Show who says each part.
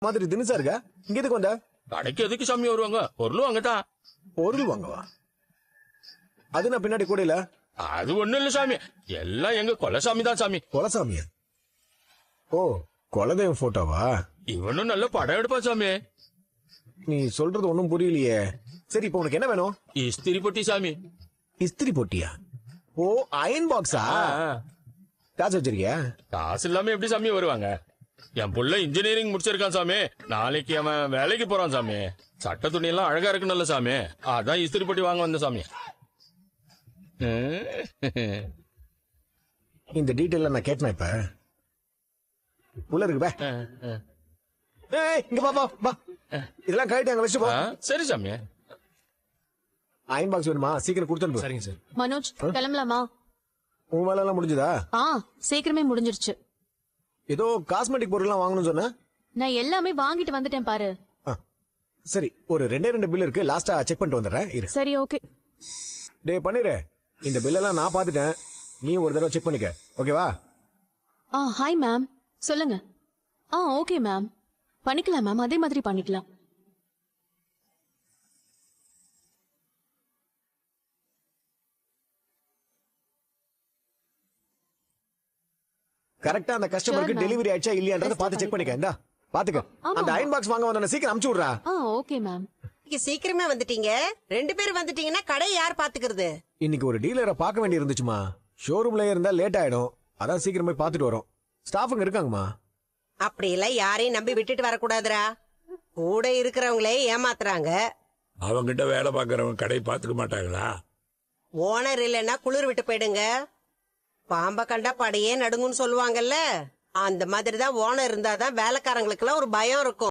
Speaker 1: மாதிரி தினசா இருக்க இங்க எதுக்கு வந்த?
Speaker 2: கடைக்கு எதுக்கு சாமி வருவாங்க? பொருளும் அங்கதான்.
Speaker 1: பொருள் வாங்கவா? அது நான் பின்னாடி கூட இல்ல.
Speaker 2: அது ஒண்ணும் இல்ல சாமி, எல்லாம் எங்க கொலசாமி தான் சாமி.
Speaker 1: கொலசாமியா? ஓ, குலதெய்வம் போட்டோவா?
Speaker 2: இவனும் நல்ல படம் எடுப்பான் சாமி.
Speaker 1: நீ சொல்றது ஒண்ணும் புரியலையே. சரி, இப்போ உனக்கு என்ன வேணும்?
Speaker 2: இஸ்திரி பொட்டி சாமி.
Speaker 1: இஸ்திரி போட்டியா? ஓ, அயன் பாக்ஸா? காசு வச்சிருக்கியா?
Speaker 2: காசு இல்லாம எப்படி சாமி வருவாங்க? என் புள்ள இன்ஜினியரிங் முடிச்சிருக்கான் சாமி. நாளைக்கு அவன் வேலைக்கு போறான் சாமி. சட்ட துணி எல்லாம் அழகா இருக்குன்னு சாமி, அதான் இஸ்திரி பொட்டி வாங்க வந்த சாமி.
Speaker 1: இந்த டீட்டெயில் நான் கேட்டேன். இப்ப உள்ள இருக்கு பே. ஏய், இங்க பா பா. இதெல்லாம் கரெக்ட், அங்க வச்சு போ.
Speaker 2: சரி சாமி.
Speaker 1: அயன் பாக்ஸ் வேணுமா? சீக்கிரம் கொடுத்து.
Speaker 3: சரிங்க சார்.
Speaker 4: மனோஜ், கிளம்பலாமா?
Speaker 1: உன் வேலை எல்லாம் முடிஞ்சதா?
Speaker 4: சீக்கிரமே முடிஞ்சிருச்சு.
Speaker 1: ஏதோ காஸ்மெட்டிக் பொருள் எல்லாம் வாங்கணும்னு சொன்ன.
Speaker 4: நான் எல்லாமே வாங்கிட்டு வந்துட்டேன் பாரு.
Speaker 1: சரி, ஒரு 2 பில் இருக்கு, லாஸ்டா செக் பண்ணிட்டு வந்துடுறேன். இரு.
Speaker 4: சரி, ஓகே.
Speaker 1: டே பண்ணிரு, இந்த பில் எல்லாம் நான் பாத்துட்டேன், நீ ஒரு தடவை செக் பண்ணிக்க, ஓகேவா?
Speaker 4: ஹாய் மேம், சொல்லுங்க. ஓகே மேம், பண்ணிக்கலாம் மேம், அதே மாதிரி பண்ணிக்கலாம்.
Speaker 1: கரெக்டா அந்த கஸ்டமருக்கு டெலிவரி ஆயிடுச்சா இல்லையான்றத பாத்து செக் பண்ணிக்க. இந்தா பாத்துக்க. அந்த அயன் பாக்ஸ் வாங்க வந்தன சீக்கிரம் அனுப்பிச்சு விடுறா.
Speaker 4: Okay ma'am.
Speaker 5: சீக்கிரமே வந்துட்டீங்க. 2 பேர் வந்துட்டீங்கன்னா கடை யார் பாத்துக்கிறது?
Speaker 1: இன்னைக்கு ஒரு டீலரை பார்க்க வேண்டி இருந்துச்சுமா. ஷோரூம்ல இருந்தா லேட் ஆயிடும், அதான் சீக்கிரம் போய் பாத்துட்டு வரோம். ஸ்டாஃபுங்க இருக்காங்கம்மா.
Speaker 5: அப்படி எல்லாம் யாரையும் நம்பி விட்டுட்டு வரக்கூடாதுரா. கூட இருக்கிறவங்களே ஏமாத்துறாங்க.
Speaker 6: அவங்கிட்ட வேலை பாக்குறவங்க கடை பாத்துக்க மாட்டாங்களா?
Speaker 5: ஓனர் இல்லைன்னா குளிர் விட்டு போயிடுங்க. பாம்ப கண்டா படையே நடுங்குன்னு சொல்லுவாங்கல்ல, அந்த மாதிரிதான் ஓனர் இருந்தாதான் வேலைக்காரங்களுக்கு எல்லாம் ஒரு பயம் இருக்கும்.